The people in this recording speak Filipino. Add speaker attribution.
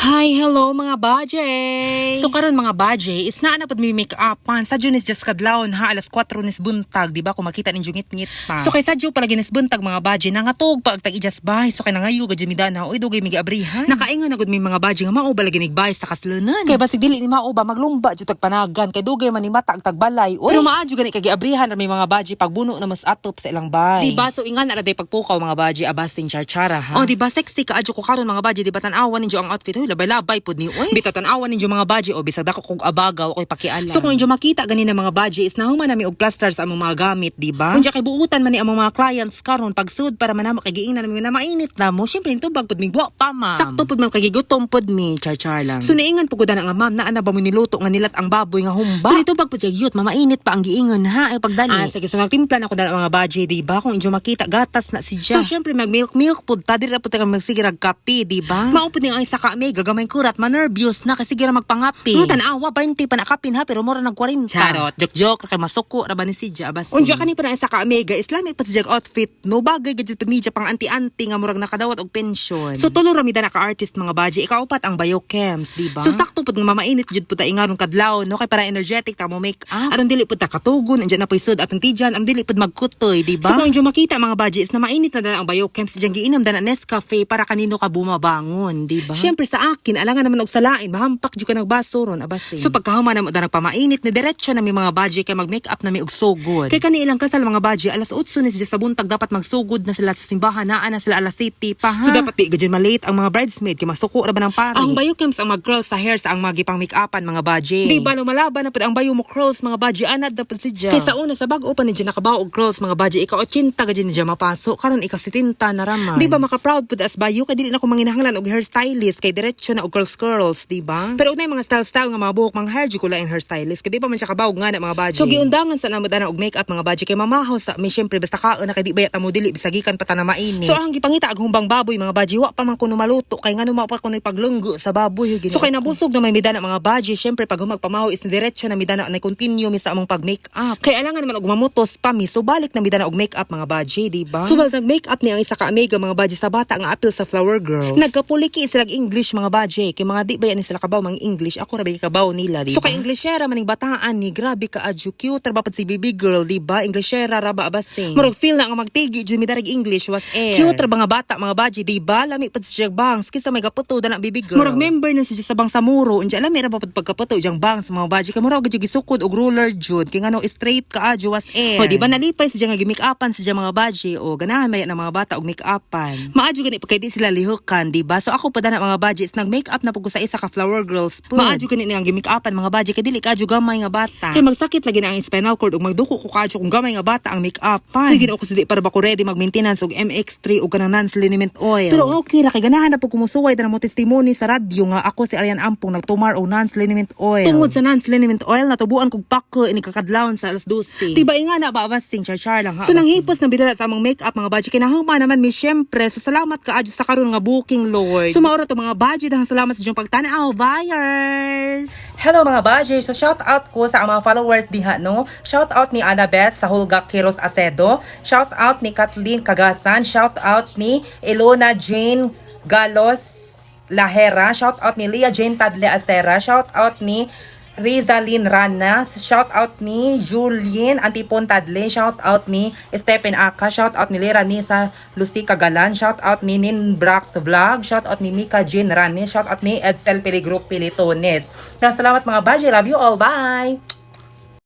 Speaker 1: Hi, hello mga baje! So karon mga baje, is na pod mi make upan sa Junis just kadlawon ha alas 4 nis buntag, di ba? Kung makita ninyo ngit-ngit pa. So kay sadyo pala ginis buntag mga baje, nangatog pa ag tag-ijas bahay. So kay nangayo gad mi dana, oy dugay mi giabrihan. Nakaingon na gud mi mga baje nga mao ba lagi nigbahay sa kaslunan. Kay basig dili ni mao ba maglumba jud tag panagan kay dugay man ni mata ag tagbalay. Oy, pero maadyo gani kay giabrihan ra mi mga baje pagbuno na mas atop sa ilang bahay. Di ba? So ingan ra day pagpukaw mga baje abasting charchara ha. Oh, di ba sexy ka adyo ko karon mga baje, di ba tan-awan ninyo ang outfit. Hoy, labay-labay pod ni oy. Bitatan-awan ninyo mga baje o bisag dako kog abagaw ako'y pakialam. So kung inyo makita ganina mga baje is nahuman nami og plaster sa among mga gamit, di ba? Unya kay buutan man ni among mga clients karon pagsud para manamo kay giingnan nami na mainit na mo. Syempre tubag pod mi wa pa ma. Sakto pod man kay gigutom pod mi, char lang. So niingan pud na nga ma'am naa na ba mo niluto nga nilat ang baboy nga humba. So nitubag pod siya yut mamainit pa ang giingon ha ay pagdali. Sige so nagtimpla na ko dala mga baje, di ba? Kung inyo makita gatas na si siya. So syempre mag milk pod ta dira pod ta magsigirag kape, di ba? Mao pod ni ang isa ka may gagamay kurat nervous na kasi gira magpangapi. Tanawa 20 pa nakapin ha pero mura nag 40. Charot, joke kay masuko ra ba ni si Jabas. Unja kani pa na isa ka mega Islamic pa si outfit no bagay gadget pa media pang anti-anti nga murag nakadawat og pension. So tulo ra mi da ka artist mga baji ikaupat ang biochems, di ba? So sakto pud nga mamainit jud pud ta ingaron kadlaw no kay para energetic ta mo make up. Aron dili pud ta katugon andiyan na paisod atong tijan ang dili pud magkutoy, di ba? So kung inyo makita mga baji is na mainit na ang biochems diyan giinom da na Nescafe para kanino ka bumabangon, di ba? Syempre sa akin alangan naman og salain mahampak jud ka nagbaso ron abase. So pagkahuman na mo da nagpamainit ni diretso na mi mga baji kay mag-make up na mi og sugod. Kay kani ilang kasal mga baji alas 8 ni sa buntag dapat magsugod na sila sa simbahan naa na sila alas 7 pa ha. So dapat di gadyan malate ang mga bridesmaid kay masuko ra ba ng pari. Ang biochems ang mag-curl sa hair sa ang magipang make-upan mga baji. Di ba lumalaban na pud ang bayo mo curls mga baji anad na pud si Jia. Kay sa una sa bag-o pa ni Jia nakabaw og curls mga baji ikaw 80 gadyan ni Jia mapasok karon ikaw 70 na raman. Di ba maka-proud pud as bayo kay dili na ko manginahanglan og hairstylist kay diretso na og curls, di ba? Pero unay mga style nga mga buhok mga hair ko lain hairstylist kay di pa man siya kabawog nga na mga baji. So giundangan sa namo dana og makeup mga baji kay mamahaw sa mi syempre basta kaon na kay di bayat mo dili bisagikan pa ta na mainit. So ang gipangita ag humbang baboy mga baji wa pa man kuno maluto kay ngano mao pa kuno paglunggo sa baboy gini. So kay nabusog na may midana mga baji syempre pag humagpamahaw is diretso na midana na continue mi sa among pag makeup. Kay alangan naman og mamutos pa mi so balik na midana og makeup mga baji, di ba? So balik nag makeup ni ang isa ka amiga mga baji sa bata nga apil sa Flower Girls. Nagkapuliki sila English mga baji kay mga di ba yan sila kabaw mga English ako ra ba kabaw nila, di ba? So kay Englishera maning bataan ni grabe ka adyo cute ra ba pud si baby girl, di ba? Englishera ra ba abasing. Murag feel na nga magtigi jud mi darag English was air. Cute ra ba nga bata mga baji, di ba? Lami pud si bangs kinsa may gaputo dana baby girl. Murag member na si sa bang Samuro unja lami ra ba pud pagkaputo jang bangs mga baji kay murag jud gisukod og ruler jud kay ngano straight ka adyo was air. O di ba nalipay si nga gimake-upan si mga baji o ganahan maya ng mga bata og make-upan. Maadyo gani pagkay di sila lihukan, di ba? So ako pa dana mga baji nag make-up na pud ko sa isa ka Flower Girls po. Maadyo gani ang gimake-upan mga baji kay dili ka adyo gamay nga bata. Kay magsakit lagi na ang spinal cord ug magduko ko kadyo kung gamay nga bata ang make-upan. Kay ginaw ko sudi para ba ko ready mag-maintenance og MX3 ug kanang non-liniment oil. Pero okay ra kay ganahan na pud kumusuway dana mo testimony sa radyo nga ako si Arian Ampong nagtumar og non-liniment oil. Tungod sa non-liniment oil natubuan kog pako ini kakadlawon sa alas 12. Diba nga na ba abasting char lang ha. So nanghipos na bidala sa among make-up mga baji kinahangma naman mi syempre so salamat ka adyo sa karon nga booking Lord. So maura to mga baji dahang salamat sa inyong pagtanaw buyers. Hello mga baji, so shout out ko sa mga followers diha no. Shout out ni Annabeth sa Hulga Kiros Acedo, shout out ni Kathleen Cagasan, shout out ni Elona Jane Galos Lahera, shout out ni Leah Jane Tadle Acera, shout out ni Rizalyn Ranas, shout out ni Julien Antipon Tadle, shout out ni Stephen Aka, shout out ni Lera Nisa Lucy Kagalan, shout out ni Nin Brax Vlog, shout out ni Mika Jean Ranes, shout out ni Edsel Peligro Pilitones. Salamat mga baji, love you all, bye!